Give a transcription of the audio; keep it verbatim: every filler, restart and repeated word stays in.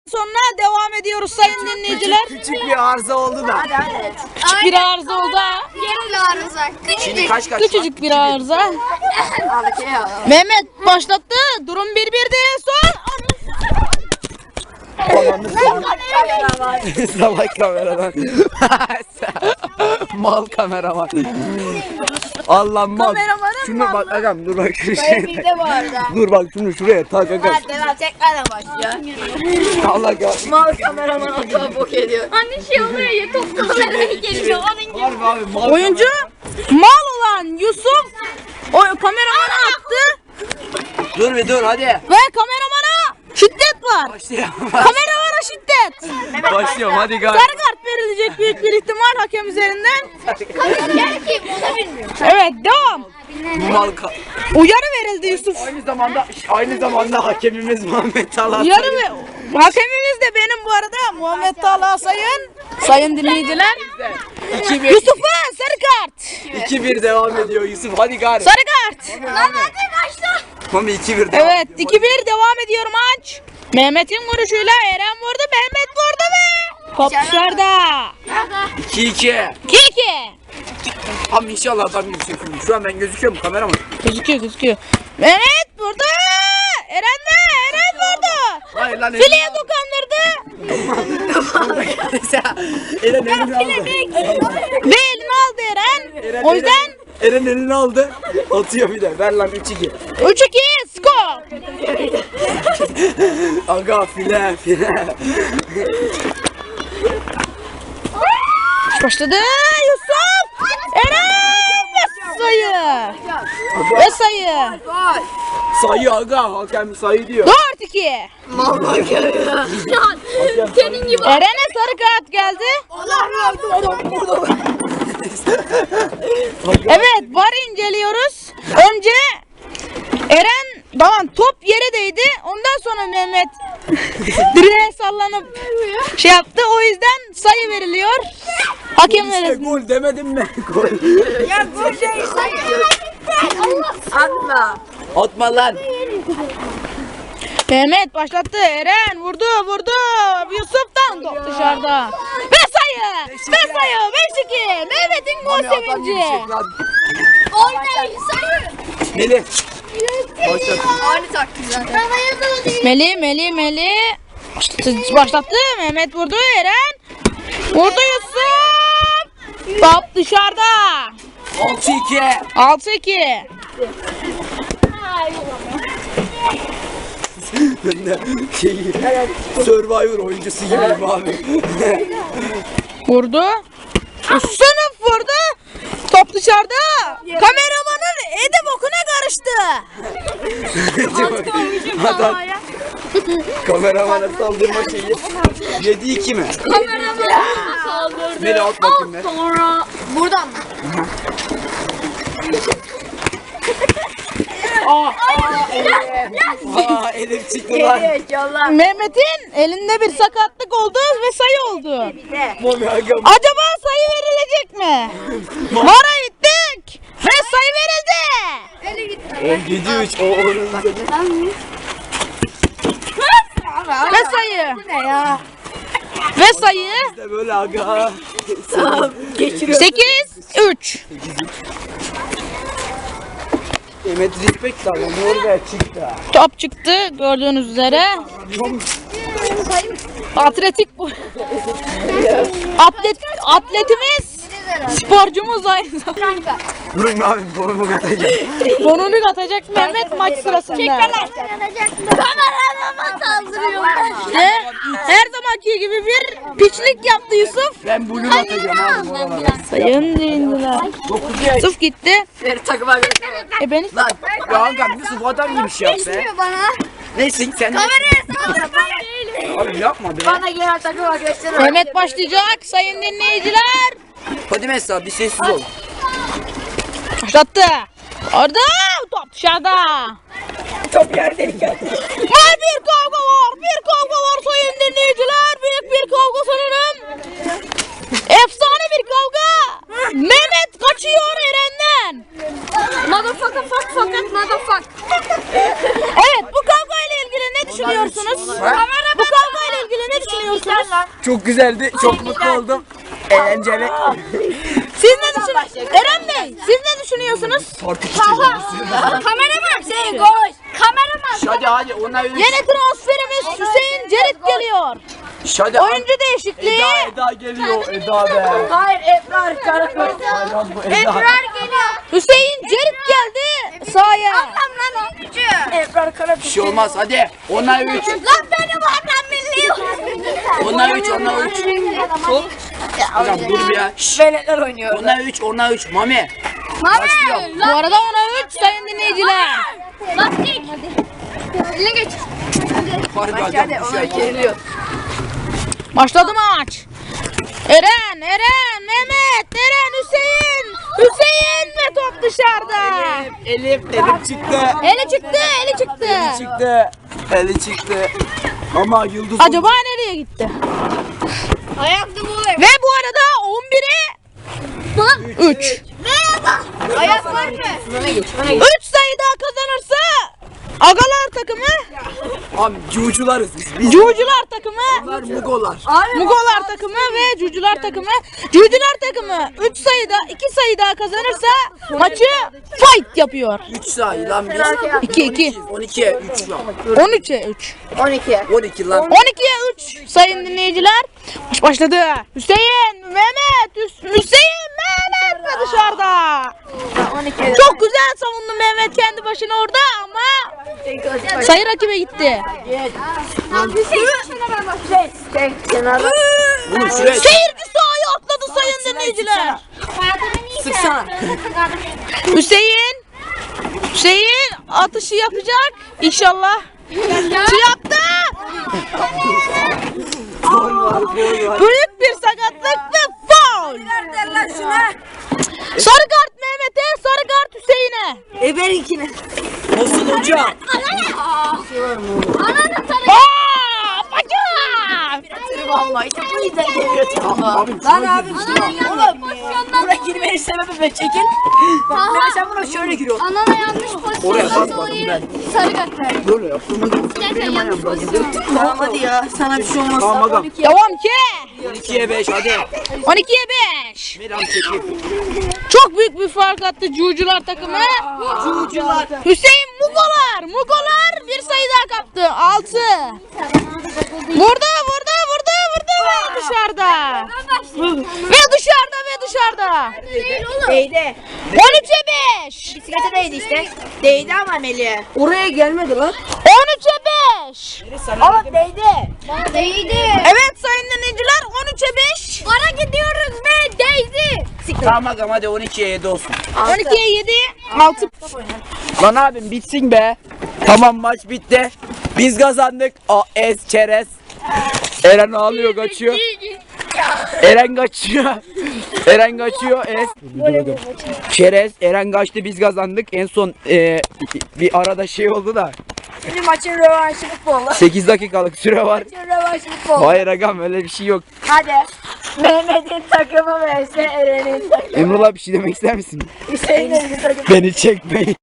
Sonra devam ediyoruz sayın dinleyiciler. Küçük, küçük bir arıza oldu da. Hadi hadi. Küçük bir arıza oldu ha. Yerel arıza. Şimdi Küçücük. kaç kaç? Küçücük bir arıza. Aldık ya. Mehmet başlattı. Durum bir bir diye son. Salak kameraman. Mal kameraman. Allah mal. Kameramanın Şunu bak mallı. agam dur bak şu Dayı şey. bizde bu arada. Dur bak şunu şuraya tak agam. Hadi lan tekrardan başlıyor. Allah ya. Mal kameraman otuğa bok ediyor. Anne şey oluyor ya top kameraya geliyor onun gibi. Harbi abi mal. Oyuncu mal olan Yusuf o kameramana attı Dur bir dur hadi. ve kameramana şiddet var. Başlayalım. Kameramana şiddet. Başlıyorum hadi gel. Sarı kart verilecek büyük bir ihtimal hakem üzerinden. Gel kim onu bilmiyorum. Evet devam. Mal ka- Uyarı verildi Yusuf. Aynı zamanda aynı zamanda hakemimiz Muhammed Talat. Uyarı ve hakemimiz de benim bu arada Muhammed Talha Sayın. Sayın dinleyiciler. iki bir Yusuf'a sarı kart. iki bir devam ediyor Yusuf hadi gari. Sarı kart. Lan hadi başla. Mami iki bir devam. Evet iki bir devam ediyor maç. Mehmet'in vuruşuyla Eren vurdu. Mehmet vurdu ve top dışarıda. iki iki. iki iki. Abi inşallah adam gözüküyor. Şu an ben gözüküyorum kameraman. Gözüküyor gözüküyor. Mehmet vurdu. Eren de Eren vurdu. Hayır lan Fileye dokandırdı. Eren elini aldı. Ve elini aldı Eren. Eren, O yüzden Eren elini aldı. Atıyor bir de. Ver lan üç iki. üç iki skor. Aga file file. Başladı Yusuf. Eren ve sayı. Ve sayı. Sayı aga. Hakem sayı diyor. dört iki. Senin gibi. Eren'e sarı kart geldi. Evet var inceliyoruz. Önce Eren tamam top yere değdi. Ondan sonra Mehmet direğe sallanıp şey yaptı. O yüzden sayı veriliyor. Hakem İşte verildi. gol demedim mi? Gol. Ya bu şey Atma. Atma lan. Mehmet başlattı. Eren vurdu vurdu. Yusuf'tan top dışarıda. Ve sayı. Ve sayı. beş iki. Mehmet'in gol Mami adam gibi sevinci. şey lan. Oynayın sayın. Melih. Başlat. Aynı taktik zaten. Meli Meli Meli başlattı, başlattı. Mehmet vurdu. Eren vurdu Yusuf. Top dışarıda. altı iki. altı iki. Ben de şeyi Survivor oyuncusu gibiyim abi. Vurdu. Sınıf vurdu. Top dışarıda. Kameramanın ede bokuna karıştı. Adam kameramana saldırma şeyi. yedi iki mi? Kaldırdı. Melih at bakayım be. Sonra Buradan mı? Aa Elif çıktı lan. Evet yolla. Mehmet'in elinde bir sakatlık oldu ve sayı oldu. Mami aga. Acaba sayı verilecek mi? Vara gittik ve sayı verildi. yedi üç o onun. Ve sayı. Ne ya? Ve sayı İşte böyle aga. sekiz üç. Mehmet respect abi. Norveç çıktı. Top çıktı gördüğünüz üzere. Atletik bu. Atlet atletimiz sporcumuz aynı zamanda. Durun abi borumu katacağım. Bonunu atacak Mehmet maç sırasında. kameramama saldırıyor. Ve her zamanki gibi bir piçlik yaptı Yusuf. Ben blue atacağım abi bu aralar. Sayın dinleyiciler. dokuz yaş. Yusuf gitti. Beni takıma götür. E ben Lan ya aga Yusuf adam gibi şey yap be. Bana. Neyse sen. Kameraya saldırma. Abi yapma be. Bana gel takıma götür. Mehmet başlayacak sayın dinleyiciler. Hadi mesela bir sessiz ol. Başlattı. Orada top dışarıda. Top yerdeyken. Var bir kavga var. Bir kavga var sayın dinleyiciler. Büyük bir kavga sanırım. Efsane bir kavga. Mehmet kaçıyor Eren'den. Motherfucker fuck fakat motherfuck. Evet bu kavga ile ilgili ne düşünüyorsunuz? Bu kavga ile ilgili lan. Çok güzeldi. Çok mutlu oldum. Eğlenceli. Siz ne düşünüyorsunuz? Eren Bey, siz ne düşünüyorsunuz? Parti çiçeği. Kameraman şey koş. Kameraman. Hadi hadi ona üç. Yeni transferimiz Hüseyin Cerit geliyor. Hadi. Oyuncu değişikliği. Eda Eda geliyor. Eda be. Hayır Ebrar Karakoy. Hayran bu Eda. Ebrar geliyor. Hüseyin Cerit geldi sahaya. Lan oyuncu. Ebrar Karakoy. Bir şey olmaz hadi. Ona üç. Lan benim adam milli. Ona üç. Ona üç. Hocam dur bir ya. Şşş. Veletler oynuyor. Ona üç. Ona üç. Mami. Başlıyorum. Bu arada ona üç sayın dinleyiciler. Lastik. Eline geç. Hadi hadi. Hadi Bir ona şey yok. geriliyor. Başladı maç. Eren, Eren, Mehmet, Eren, Hüseyin. Hüseyin ve top dışarıda. Elif elim çıktı. Eli çıktı, eli çıktı. Çıktı. Eli çıktı. Ama yıldız Acaba nereye gitti? Ayakta bu. Ve bu arada on bire üç. Ayak var mı? üç sayı daha kazanırsa Agalar takımı, Abi cucularız biz. Biz Cucular takımı, bunlar mugolar. Mugolar takımı ve Cucular takımı. Cucular takımı üç sayıda iki sayı daha kazanırsa maçı fight yapıyor. üç sayı lan biz. iki iki. on ikiye üç lan. on üçe üç. on iki. on iki lan. on ikiye üç sayın dinleyiciler. Maç başladı. Hüseyin, Mehmet, Hüs- Hüseyin, Mehmet de dışarıda. on iki. Çok güzel savundu Mehmet kendi başına orada ama sayı rakibe gitti. Bunu şuraya Seyirci sahaya atladı sayın dinleyiciler. sıksana. Hüseyin, Hüseyin atışı yapacak inşallah. Yaptı. Gol var gol var. Büyük bir sakatlık ve faul. Sarı kart Mehmet'e, sarı kart Hüseyin'e. Eberinkine. Olsun hocam. Ananı tanı. Aa, bacım. Vallahi işte bu yüzden geliyor. Abi Lan abi Oğlum. Pozisyondan. buraya girmenin sebebi ben çekil. Bak ben sen buna şöyle giriyorsun. Anana yanlış Oraya pozisyondan basmadım dolayı ben. sarı kart verdi. böyle yaptığıma Gerçekten yanlış pozisyon. Tamam hadi ya sana bir şey olmaz. Tamam agam. Devam ki. on ikiye beş hadi. on ikiye beş. Miran çekip. Çok büyük bir fark attı Cucular takımı. Cucular. Hüseyin Mugolar. Mugolar bir sayı daha kaptı. altı. Burada, burada, burada, burada ve dışarıda. Ve dışarıda ve dışarıda. Değil oğlum. Değdi. on üçe beş. Bisiklete değdi işte. Değdi ama Melih'e. Oraya gelmedi lan. on üçe beş. Ama değdi. Değdi. Evet sayın dinleyiciler on üçe beş. Para gidiyoruz ve değdi. Tamam agam hadi on ikiye yedi olsun. on ikiye yedi. altı. Lan abim bitsin be. Tamam maç bitti. Biz kazandık. A es çerez. Eren ağlıyor kaçıyor. Eren kaçıyor. Eren kaçıyor. Es. Çerez. Eren kaçtı biz kazandık. En son e, bir arada şey oldu da. Şimdi maçın rövanşı futbolu. sekiz dakikalık süre var. Maçın rövanşı futbolu. Hayır agam öyle bir şey yok. Hadi. Mehmet'in takımı vs Eren'in takımı. Emrullah bir şey demek ister misin? Hüseyin'in takımı. Beni çekmeyin.